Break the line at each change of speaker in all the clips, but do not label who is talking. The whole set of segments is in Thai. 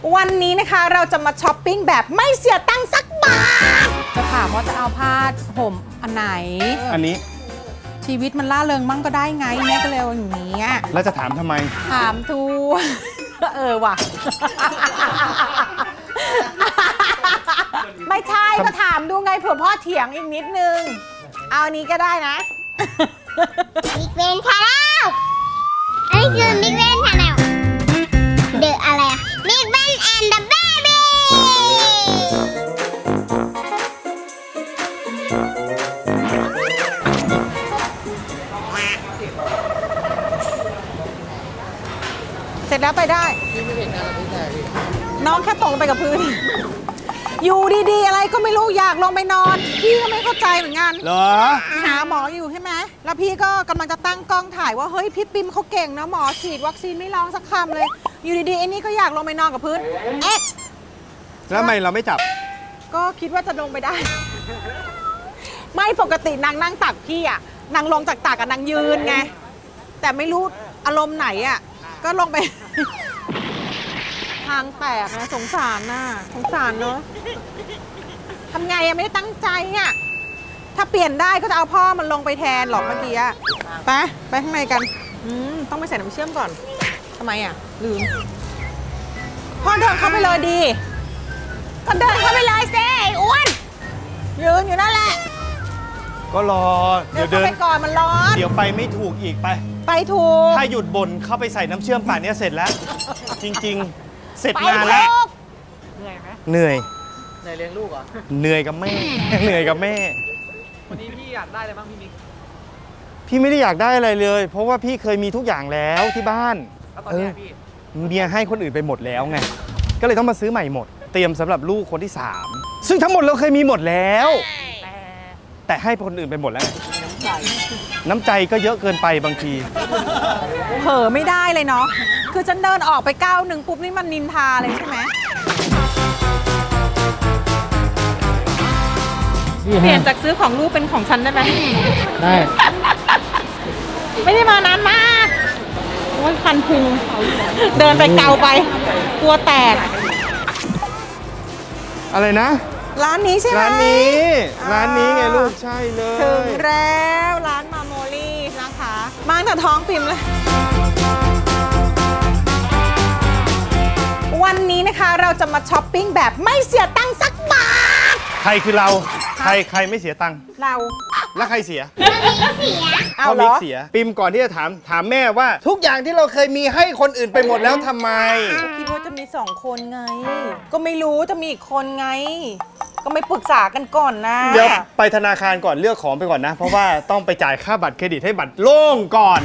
วันนี้นะคะเราจะมาช้อปปิ้งแบบไม่เสียตังค์สักบาทจะถามว่าจะเอาผ้าห่มอันไหน
อันนี้
ชีวิตมันล่าเริงมั่งก็ได้ไงแม่ก็เลยอย่างนี้
แล้วจะถามทำไม
ถามทูว่ะไม่ใช่ก็ถามดูไงเผื่อพ่อเถียงอีกนิดนึงเอาอันนี้ก็ได้นะ
มิกเวนชาแนลอันนี้คือมิกเวนชาแนลเดอะอะไรอะมิกเวนแอนด์เดอะเบบี้
เสร็จแล้วไปได้น้องแค่ตกไปกับพื้นอยู่ดีๆอะไรก็ไม่รู้อยากลงไปนอนพี่ก็ไม่เข้าใจเหมือนกัน
เหรอ
หาหมออยู่ใช่ไหมแล้วพี่ก็กำลังจะตั้งกล้องถ่ายว่าเฮ้ยพี่ปิมเขาเก่งนะหมอฉีดวัคซีนไม่ร้องสักคำเลยอยู่ดีๆไอ้นี่ก็อยากลงไปนอนกับพื้นเอ๊ะ
แล้วทำไมเราไม่จับ
ก็คิดว่าจะลงไปได้ ไม่ปกตินางนั่งตักพี่อ่ะนางลงจากตักกับนางยืนไงแต่ไม่รู้อารมณ์ไหนอ่ะก็ลงไป ทางแตกนะสงสารน่ะสงสารเนอะทำไงอะไม่ได้ตั้งใจอ่ะถ้าเปลี่ยนได้ก็จะเอาพ่อมันลงไปแทนหรอกเมื่อกี้อะไปข้างในกันต้องไปใส่น้ำเชื่อมก่อนทำไมอ่ะลืมพ่อเดินเข้าไปเลยดีก็เดินเข้าไปเลยเซ่อ้วนยืนอยู่นั่นแหละ
ก็รอ
เดี๋ยวเข้าไปก่อนมันร้อน
เดี๋ยวไปไม่ถูกอีก
ไปถูก
ถ้าหยุดบ่นเข้าไปใส่น้ำเชื่อมป่านนี้เสร็จแล้วจริงๆเสร็จงานแล้ว
เหนื่อยไหม
เหนื่อย
เลี้ยงลูกเหรอ
เหนื่อยกับแม่เหนื่อยกับแม่
วันนี้พี่อยากได้อะไรบ้างพี่มิก
พี่ไม่ได้อยากได้อะไรเลยเพราะว่าพี่เคยมีทุกอย่างแล้วที่บ้าน
แล้วตอนนี้พี่
เมียให้คนอื่นไปหมดแล้วไงก็เลยต้องมาซื้อใหม่หมดเตรียมสำหรับลูกคนที่3ซึ่งทั้งหมดเราเคยมีหมดแล้วแต่ให้คนอื่นไปหมดแล้วน้ำใจก็เยอะเกินไปบางที
เผลอไม่ได้เลยเนาะคือฉันเดินออกไปก้าวหนึ่งปุ๊บนี่มันนินทาเลยใช่ไหมเปลี่ยนจากซื้อของลูกเป็นของฉันได้ไหม
ได้
ไม่ได้มานานมากโอ้ยคันพุงเดินไปเกาไปกลัวแตก
อะไรนะ
ร้านนี้ใช่ไหม
ร้านนี้ไงลูกใช่เลย
ถึงแล้วร้านมาโมลี่นะคะมาตั้งแต่ท้องปิ่มเลยวันนี้นะคะเราจะมาช้อปปิ้งแบบไม่เสียตังค์สักบาท
ใครคือเราใครไม่เสียตังค์
เรา
แล้วใครเสีย
เอาเหรอ
เสียปิมก่อนที่จะถามแม่ว่าทุกอย่างที่เราเคยมีให้คนอื่นไปหมดแล้วทำไม
คิดว่าจะมี2 คนไงก็ไม่รู้จะมีอีกคนไงก็ไม่ปรึกษากันก่อนนะ
เดี๋ยวไปธนาคารก่อนเลือกของไปก่อนนะเพราะว่าต้องไปจ่ายค่าบัตรเครดิตให้บัตรโล่งก่อน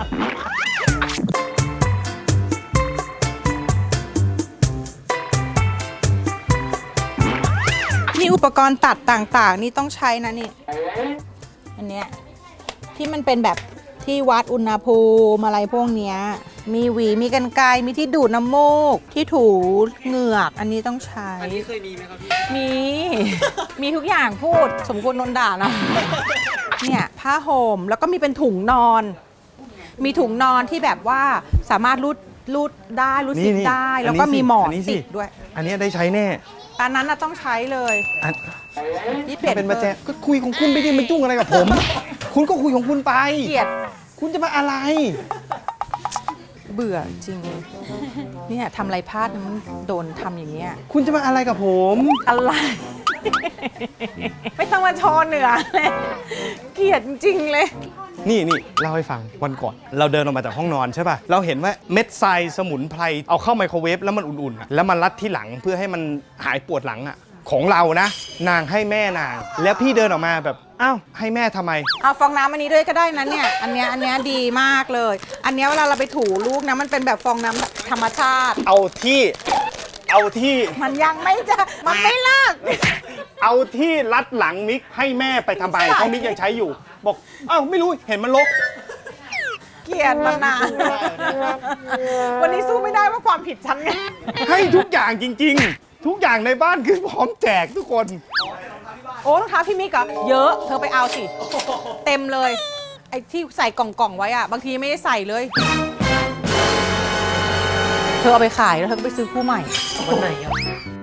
มีอุปกรณ์ตัดต่างๆนี่ต้องใช้นะนี่อันเนี้ยที่มันเป็นแบบที่วัดอุณหภูมิอะไรพวกเนี้ยมีหวีมีกรรไกรมีที่ดูดน้ำมูกที่ถูเหงือกอันนี้ต้องใช้
อันนี้เคยมีไหมครับพี่
มีทุกอย่างพูดสมควรโดนด่านะเนี่ยผ้าห่มแล้วก็มีเป็นถุงนอนมีถุงนอนที่แบบว่าสามารถรูดได้รูดซิปได้แล้วก็มีหมอนติดด้วย
อันนี้ได้ใช้แน่
อันนั้นน่ะต้องใช้เลย
นี่เป็นมาแจกก็คุยของคุณไปดิมันจุ้งอะไรกับผม คุณก็คุยของคุณไป
เกลียด
คุณจะมาอะไร
เบื่อจริงเนี่ยทำอะไรพลาดมันโดนทำอย่างเงี้ย
คุณจะมาอะไรกับผม
อะไรไม่ต้องมาโชว์เหนือเลยเกลียดจริงเลย
นี่เล่าให้ฟังวันก่อนเราเดินออกมาจากห้องนอนใช่ป่ะเราเห็นว่าเม็ดทรายสมุนไพรเอาเข้าไมโครเวฟแล้วมันอุ่นๆแล้วมันรัดที่หลังเพื่อให้มันหายปวดหลังอ่ะของเรานะนางให้แม่นางแล้วพี่เดินออกมาแบบอ้าวให้แม่ทำไม
เอาฟองน้ำอันนี้ด้วยก็ได้นะเนี่ยอันเนี้ยดีมากเลยอันเนี้ยเวลาเราไปถูลูกนะมันเป็นแบบฟองน้ำธรรมชาติ
เอาที่
มันยังไม่จะมันไม่เลิก
เอาที่รัดหลังมิกให้แม่ไปทำไมเพราะมิกยังใช้อยู่บอกอ้าวไม่รู้เห็นมันรก
เกลียดมันนานวันนี้สู้ไม่ได้ว่าความผิดฉันไง
ให้ทุกอย่างจริงๆทุกอย่างในบ้านคือพร้อมแจกทุกคน
โอ้รองเท้าพี่มิกเหรอเยอะเธอไปเอาสิเต็มเลยไอ้ที่ใส่กล่องๆไว้อะบางทีไม่ได้ใส่เลยเธอเอาไปขายแล้วเธอก็ไปซื้อคู่ใหม่
วันไหนครับ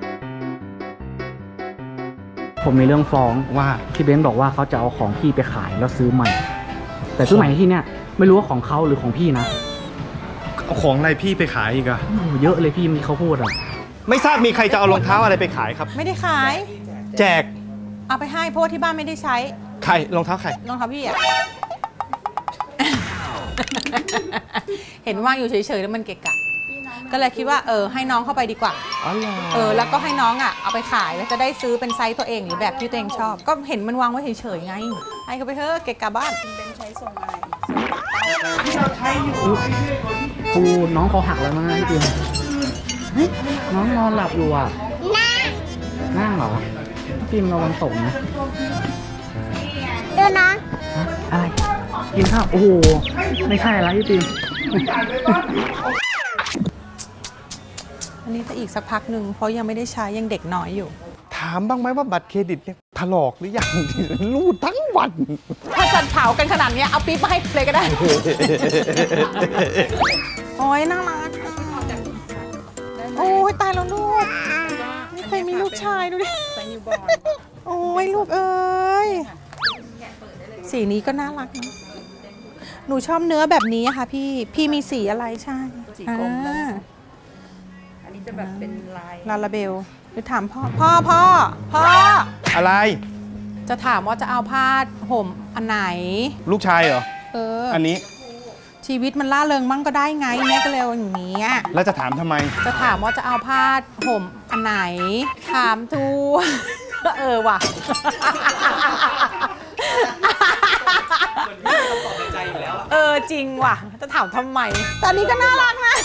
ผมมีเรื่องฟ้อง
ว่า
พี่เบนซ์บอกว่าเขาจะเอาของพี่ไปขายแล้วซื้อใหม่ แต่ซื้อใหม่ที่เนี่ยไม่รู้ว่าของเขาหรือของพี่นะ
เอาของอะไรพี่ไปขายอีกอะ
โอ้โหเยอะเลยพี่มีเขาพูดอ่ะ
ไม่ทราบมีใครจะเอารองเท้าอะไรไปขายครับ
ไม่ได้ขาย
แจก
เอาไปให้เพราะว่าที่บ้านไม่ได้ใช้
ใครรองเท้าใคร
รองเท้าพี่อะ เห็นว่างอยู่เฉยๆแล้วมันเกะกะ ก็เลยคิดว่าให้น้องเข้าไปดีกว่า
อ๋อเหรอ
แล้วก็ให้น้องอ่ะเอาไปขายแล้วจะได้ซื้อเป็นไซส์ตัวเองหรือแบบที่ตัวเองชอบ ก็เห็นมันวางไว้เฉยๆไง ให้เขาไปเถอะเกะกะบ้าน
ครูน้องเขาหักแล้วมั้งนะพี่เบนซ์เฮ้ยน้องนอนหลับอยู่อ่ะ นั่งเหรอพี่มันระวังตกนะ
ดูน้อง
ฮะอะไร กินข้าว โอ้โห ไม่ใช่อะไรพี่ปิม
อันนี้จะอีกสักพักหนึ่งเพราะยังไม่ได้ใช้ยังเด็กน้อยอยู่
ถามบ้างไหมว่าบัตรเครดิตเนี่ยถลอกหรือยัง รูดทั้งวัน
ถ้าจัดเผากันขนาดเนี้ยเอาปี๊บมาให้เลยก็ได้ โอ้ยน่ารักอะโอ้ยตายแล้วลูกไม่เคยมีลูกชายดูดิโอ้ยลูกเอ้ยสีนี้ก็น่ารักนะหนูชอบเนื้อแบบนี้อะค่ะพี่มีสีอะไรใช่สีกรมอันนี้จะแบบเป็นลาลาเบลหรือถามพ่อ
อะไร
จะถามว่าจะเอาผ้าห่มอันไหน
ลูกชายเหรอ อันนี้
ชีวิตมันล่าเริงมั่งก็ได้ไงแม่ก็เลยเอาอย่างนี้อะ
แล้วจะถามทำไม
จะถามว่าจะเอาผ้าห่มอันไหน ถามทู ว่ะ
ใจอยู่แล้ว
จริงว่ะ จะถามทำไมตอนนี้ก็น่ารักนะ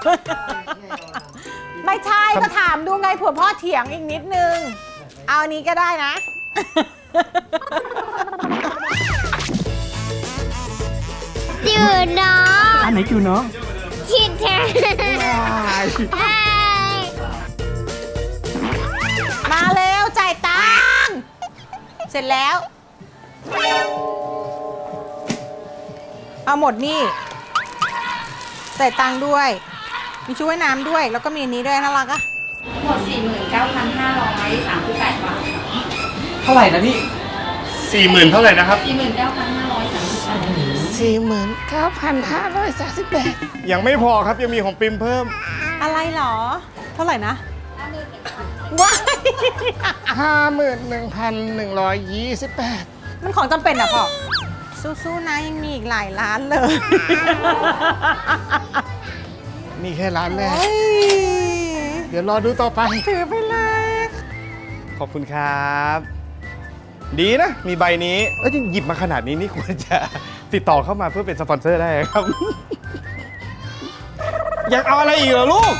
ไม่ใช่ก็ถามดูไงเผื่อพ่อเถียงอีกนิดนึง เอาอันนี้ก็ได้นะ
ดูน้อง
อันไหนคิวน้อง
ชิดเธอใช่
มาเร็วจ่ายตังค์เสร็จแล้ว เอาหมดนี่จ่ายตังค์ด้วย มีชุดว่ายน้ำด้วย แล้วก็มีอันนี้ด้วยน่ารักอะ
หมด 49,538 บาท
เท่าไหร่นะพี่
40,000 เท่าไหร่นะครับ
49,538
ยังไม่พอครับยังมีของปิมเพิ่ม
อะไรเหรอ เท่าไหร่นะว้าย
51,128
มันของจำเป็นอะพ่อสู้ๆนะยังมีอีกหลายร้านเลย
นี่แค่ร้านแรก
โอ้ย
เดี๋ยวรอดูต่อไป
ถือไปเลย
ขอบคุณครับ ดีนะ มีใบนี้หยิบมาขนาดนี้นี่ควรจะติดต่อเข้ามาเพื่อเป็นสปอนเซอร์ได้ครับ อยากเอาอะไรอีกเหรอลูก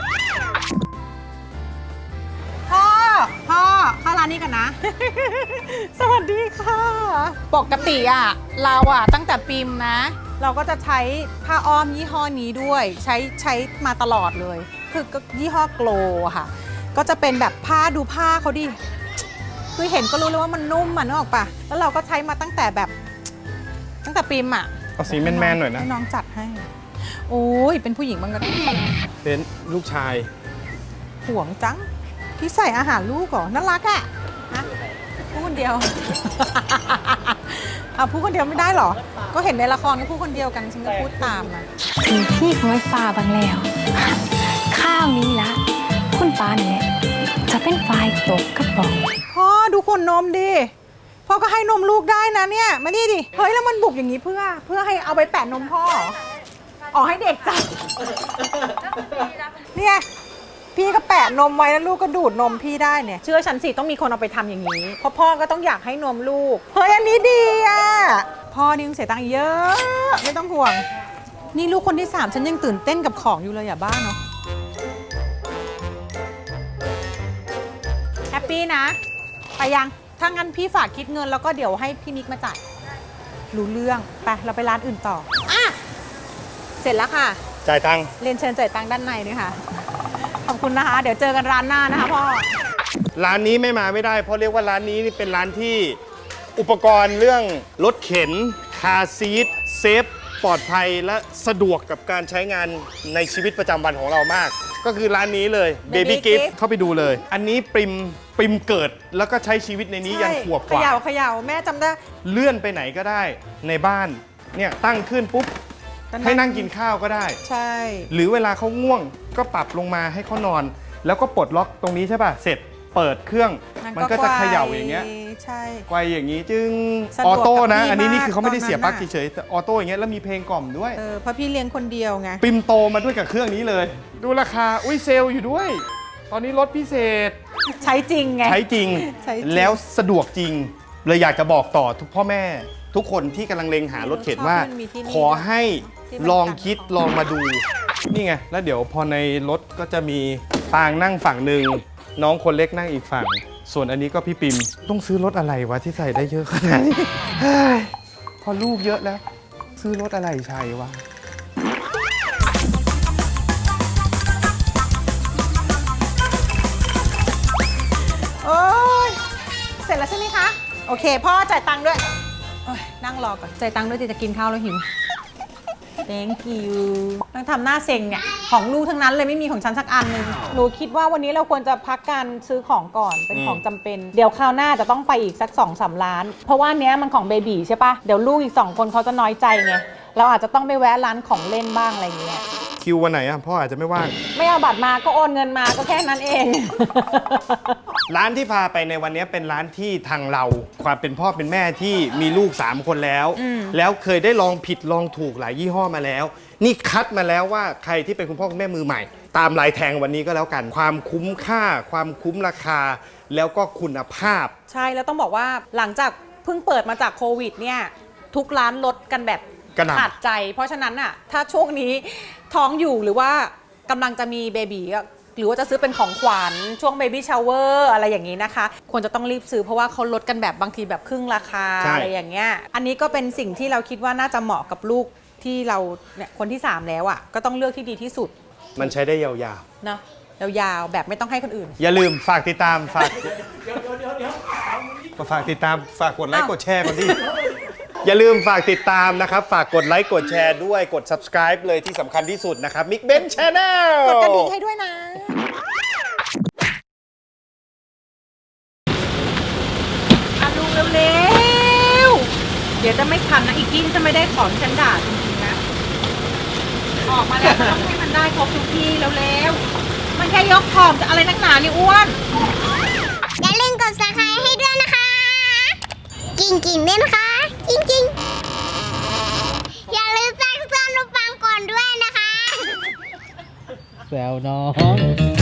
พ่อเข้าร้านนี้กันนะ สวัสดีค่ะ ปกติอะเราอะตั้งแต่ปิมนะ เราก็จะใช้ผ้าอ้อมยี่ห้อนี้ด้วย ใช้มาตลอดเลย คือก็ยี่ห้อโกลอะค่ะ ก็จะเป็นแบบผ้าดูผ้าเขาดิ คือเห็นก็รู้เลยว่ามันนุ่มอะนึกออกปะแล้วเราก็ใช้มาตั้งแต่ปิมอะ
เอาสีแมนๆหน่อยนะ
ให้น้องจัดให้ โอ้ยเป็นผู้หญิงบ้างก็ได้
เป็นลูกชาย
ห่วงจัง พี่ใส่อาหารลูกเหรอ น่ารักอะฮะพูดคนเดียว เอาพูดคนเดียวไม่ได้เหรอ ก็เห็นในละครก็พูดคนเดียวกันฉันก็พูดตามอะ
ถึงที่ของไฟฟ้าบางแล้ว ข้าวนี้ละ คุณปาเนี่ยจะเป็นฝ่ายตกกระป๋อง
พ่อดูขวดนมดิ พ่อก็ให้นมลูกได้นะเนี่ย มานี่ดิ เฮ้ยแล้วมันบุบอย่างนี้เพื่อให้เอาไปแปะนมพ่อเหรออ๋อให้เด็กจับเนี่ย พี่ก็แปะนมไว้แล้วลูกก็ดูดนมพี่ได้เนี่ย เชื่อฉันสิต้องมีคนเอาไปทำอย่างนี้ เพราะพ่อก็ต้องอยากให้นมลูก เฮ้ยอันนี้ดีอ่ะ พ่อนี่ต้องเสียตังค์เยอะ ไม่ต้องห่วง นี่ลูกคนที่ 3 ฉันยังตื่นเต้นกับของอยู่เลยอย่าบ้าเนาะ แฮปปี้นะ ไปยัง ถ้างั้นพี่ฝากคิดเงินแล้วก็เดี๋ยวให้พี่มิกมาจ่าย รู้เรื่อง ไปเราไปร้านอื่นต่ออ่ะเสร็จแล้วค่ะ
จ่ายตังค์
เรียนเชิญจ่ายตังค์ด้านในด้วยค่ะ ขอบคุณนะคะ เดี๋ยวเจอกันร้านหน้านะคะพ่อ
ร้านนี้ไม่มาไม่ได้เพราะเรียกว่าร้านนี้นี่เป็นร้านที่อุปกรณ์เรื่องรถเข็นคาร์ซีทเซฟปลอดภัยและสะดวกกับการใช้งานในชีวิตประจำวันของเรามาก ก็คือร้านนี้เลย Baby Gift เข้าไปดูเลย อันนี้ปริมเกิดแล้วก็ใช้ชีวิตในนี้ยันขวบกว่า
เขย่าแม่จำได้
เลื่อนไปไหนก็ได้ในบ้านเนี่ยตั้งขึ้นปุ๊บ
ก็
ให้นั่งกินข้าวก็ได้
ใช่
หรือเวลาเขาง่วงก็ปรับลงมาให้เขานอน แล้วก็ปลดล็อกตรงนี้ใช่ป่ะเสร็จเปิดเครื่องมันก็จะเขย่าอย่างเงี้ย
ใช่
ไกวอย่างนี้จึง
สะด
อ
ว
อก โต้นะ
กับพี่
อันนี้นี่
มาก
คือเขาไม่ได้เสียปลั๊ก
ตอนนั้นน่ะ
เฉยๆแต่ออโต้อย่างเงี้ยแล้วมีเพลงกล่อมด้วย
เพราะพี่เลี้ยงคนเดียวไง
ปิมโตมาด้วยกับเครื่องนี้เลย ดูราคาอุ้ยเซลล์อยู่ด้วย ตอนนี้ลดพิเศษ
ใช้จริงไง
ใช้จริง
ใช้จริง
แล้วสะดวกจริง เลยอยากจะบอกต่อทุกพ่อแม่ ทุกคนที่กำลังเลงหารถเข็นว่า
ชอบที่มันมีที่นี่
ขอให้
ที่มัน
ลองคิดลองมาดู นี่ไง แล้วเดี๋ยวพอในรถก็จะมีปางนั่งฝั่งหนึ่งน้องคนเล็กนั่งอีกฝั่ง ส่วนอันนี้ก็พี่ปิมต้องซื้อรถอะไรวะที่ใส่ได้เยอะขนาดนี้เฮ้ยพอลูกเยอะแล้ว ซื้อรถอะไรใช่วะ
โอ้ยเสร็จแล้วใช่ไหมคะ โอเค พ่อจ่ายตังค์ด้วยโอ้ยนั่งรอก่อน จ่ายตังค์ด้วยจะกินข้าวแล้วหิว thank you ต้องทำหน้าเซ็งเนี่ย ของลูกทั้งนั้นเลยไม่มีของฉันสักอันหนึง หนูคิดว่าวันนี้เราควรจะพักการซื้อของก่อนเป็นของจำเป็น เดี๋ยวคราวหน้าจะต้องไปอีกสัก 2-3 ล้าน เพราะว่าเนี้ยมันของเบบีใช่ปะเดี๋ยวลูกอีก 2 คนเขาจะน้อยใจไง เราอาจจะต้องไปแวะร้านของเล่นบ้างอะไรอย่างเงี้ย
คิววันไหนอ่ะพ่ออาจจะไม่ว่าง
ไม่เอาบัตรมาก็โอนเงินมาก็แค่นั้นเอง
ร้านที่พาไปในวันนี้เป็นร้านที่ทางเราความเป็นพ่อเป็นแม่ที่มีลูก 3 คนแล้ว แล้วเคยได้ลองผิดลองถูกหลายยี่ห้อมาแล้ว นี่คัดมาแล้วว่าใครที่เป็นคุณพ่อคุณแม่มือใหม่ ตามลายแทงวันนี้ก็แล้วกัน ความคุ้มค่า ความคุ้มราคา แล้วก็คุณภาพ
ใช่แล้วต้องบอกว่าหลังจากเพิ่งเปิดมาจากโควิดเนี่ยทุกร้านลดกันแบบ
กระหน่ำ
ขาดใจ เพราะฉะนั้นน่ะถ้าช่วงนี้ท้องอยู่หรือว่ากำลังจะมีเบบีอะหรือว่าจะซื้อเป็นของขวัญช่วงเบบี้ชาวเวอร์อะไรอย่างนี้นะคะ ควรจะต้องรีบซื้อเพราะว่าเขาลดกันแบบบางทีแบบครึ่งราคา
ใช่
อะไรอย่างเงี้ยอันนี้ก็เป็นสิ่งที่เราคิดว่าน่าจะเหมาะกับลูกที่เราเนี่ยคนที่ 3 แล้วอ่ะก็ต้องเลือกที่ดีที่สุด
มันใช้ได้ยาว
เนาะยาวๆแบบไม่ต้องให้คนอื่น
ๆ อย่าลืมฝากติดตามฝากฝากติดตามฝากกดไลค์
อ้าว
กดแชร์ก่อนดิ อย่าลืมฝากติดตามนะครับ ฝากกดไลค์กดแชร์ด้วยกด subscribe เลยที่สำคัญที่สุดนะครับ Mick Ben Channel
กดกระดิ่งให้ด้วยนะอ่ะลุงเร็วๆ เดี๋ยวจะไม่ทันนะ อีกที่จะไม่ได้ของฉันด่าจริงๆนะ ออกมาแล้วก็ต้องให้มันได้ครบทุกที่เร็วๆ มันแค่ยกของจะอะไรนักหนานี่อ้วน
อย่าลืมกด subscribe ให้ด้วยนะคะ กิ่งๆด้วยนะคะจริงๆอย่าลืมแจ้งเตือนรูปปังก่อนด้วยนะคะ
แซวน้อง